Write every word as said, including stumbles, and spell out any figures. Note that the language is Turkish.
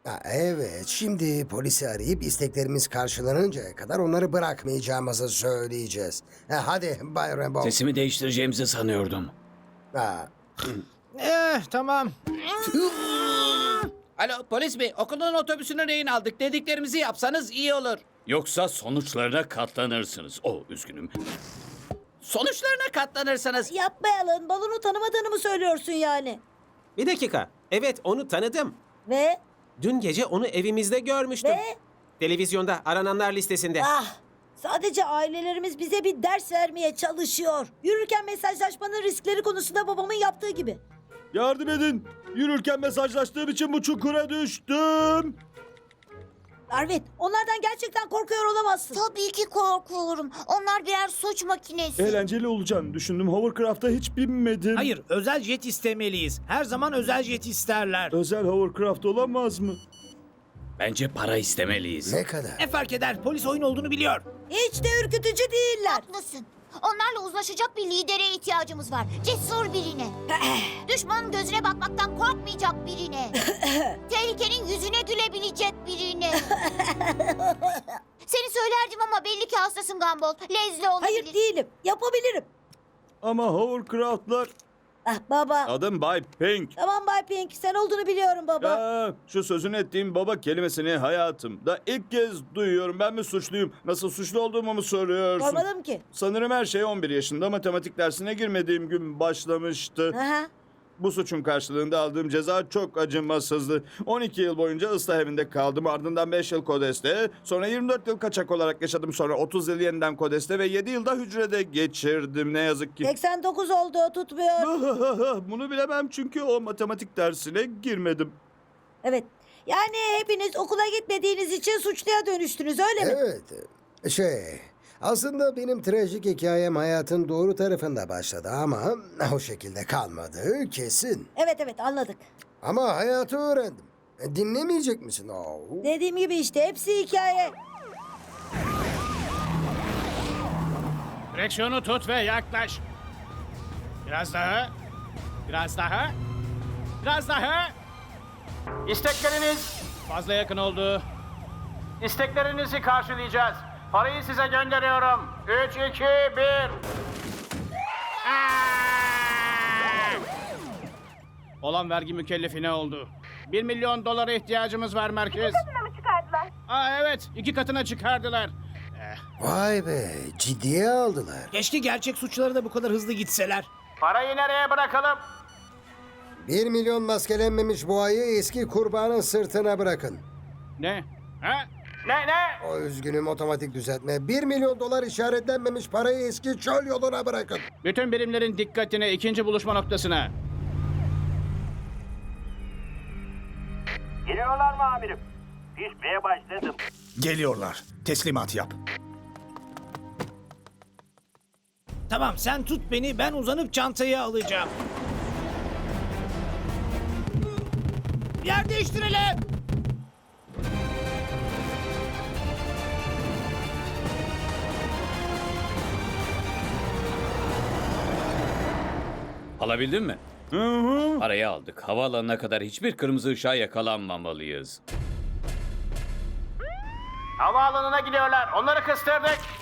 Ha, evet, şimdi polisi arayıp isteklerimiz karşılanıncaya kadar onları bırakmayacağımızı söyleyeceğiz. Ha, hadi Bay Rambo. Sesimi değiştireceğimizi sanıyordum. Ha, Eh tamam. Alo polis bey, okulun otobüsünü rehin aldık. Dediklerimizi yapsanız iyi olur. Yoksa sonuçlarına katlanırsınız. Oh, üzgünüm. Sonuçlarına katlanırsınız. Yapmayalım. Balonu tanımadığını mı söylüyorsun yani? Bir dakika. Evet, onu tanıdım. Ve? Dün gece onu evimizde görmüştüm. Ve? Televizyonda arananlar listesinde. Ah! Sadece ailelerimiz bize bir ders vermeye çalışıyor. Yürürken mesajlaşmanın riskleri konusunda babamın yaptığı gibi. Yardım edin. Yürürken mesajlaştığım için bu çukura düştüm. Arvet, onlardan gerçekten korkuyor olamazsın. Tabii ki korkuyorum. Onlar birer suç makinesi. Eğlenceli olacağını düşündüm. Hovercraft'a hiç binmedim. Hayır, özel jet istemeliyiz. Her zaman özel jet isterler. Özel hovercraft olamaz mı? Bence para istemeliyiz. ne kadar? Ne fark eder? Polis oyun olduğunu biliyor. Hiç de ürkütücü değiller. Haklısın. Onlarla uzlaşacak bir lidere ihtiyacımız var. Cesur birine. Düşmanın gözüne bakmaktan korkmayacak birine. Tehlikenin yüzüne gülebilecek birine. Seni söylerdim ama belli ki hastasın Gumball. Lezli olabilir. Hayır değilim. Yapabilirim. Ama hovercraftlar... Ah baba. Adım Bay Pink. Tamam Bay Pink, sen olduğunu biliyorum baba. Ya, şu sözünü ettiğim baba kelimesini hayatımda ilk kez duyuyorum. Ben mi suçluyum? Nasıl suçlu olduğumu mu soruyorsun? Sormadım ki. Sanırım her şey on bir yaşında matematik dersine girmediğim gün başlamıştı. Aha. Bu suçun karşılığında aldığım ceza çok acımasızdı. on iki yıl boyunca ıslah evinde kaldım. Ardından beş yıl Kodes'te. Sonra yirmi dört yıl kaçak olarak yaşadım. Sonra otuz yıl yeniden Kodes'te ve yedi yılda hücrede geçirdim. Ne yazık ki. seksen dokuz oldu, tutmuyor. Bunu bilemem çünkü o matematik dersine girmedim. Evet. Yani hepiniz okula gitmediğiniz için suçluya dönüştünüz, öyle mi? Evet, şey... Aslında benim trajik hikayem hayatın doğru tarafında başladı ama o şekilde kalmadı kesin. Evet evet, anladık. Ama hayatı öğrendim. E, Dinlemeyecek misin? Oo. Dediğim gibi işte, hepsi hikaye. Direksiyonu tut ve yaklaş. Biraz daha. Biraz daha. Biraz daha. İstekleriniz, Fazla yakın oldu. isteklerinizi karşılayacağız. Parayı size gönderiyorum. Üç, iki, bir. Olan vergi mükellefi ne oldu? Bir milyon dolara ihtiyacımız var merkez. mı çıkardılar? Aa evet, iki katına çıkardılar. Vay be, ciddiye aldılar. Keşke gerçek suçları da bu kadar hızlı gitseler. Parayı nereye bırakalım? Bir milyon maskelenmemiş boğayı eski kurbanın sırtına bırakın. Ne? Ha? Ne, ne? O üzgünüm, otomatik düzeltme. Bir milyon dolar işaretlenmemiş parayı eski çöl yoluna bırakın. Bütün birimlerin dikkatine ikinci buluşma noktasına. Geliyorlar mı amirim? Pişmeye başladım. Geliyorlar. Teslimat yap. Tamam, sen tut beni, ben uzanıp çantayı alacağım. Yer değiştirelim. Alabildin mi? Hı hı. Parayı aldık. Havaalanına kadar hiçbir kırmızı ışığa yakalanmamalıyız. Havaalanına gidiyorlar. Onları kıstırdık.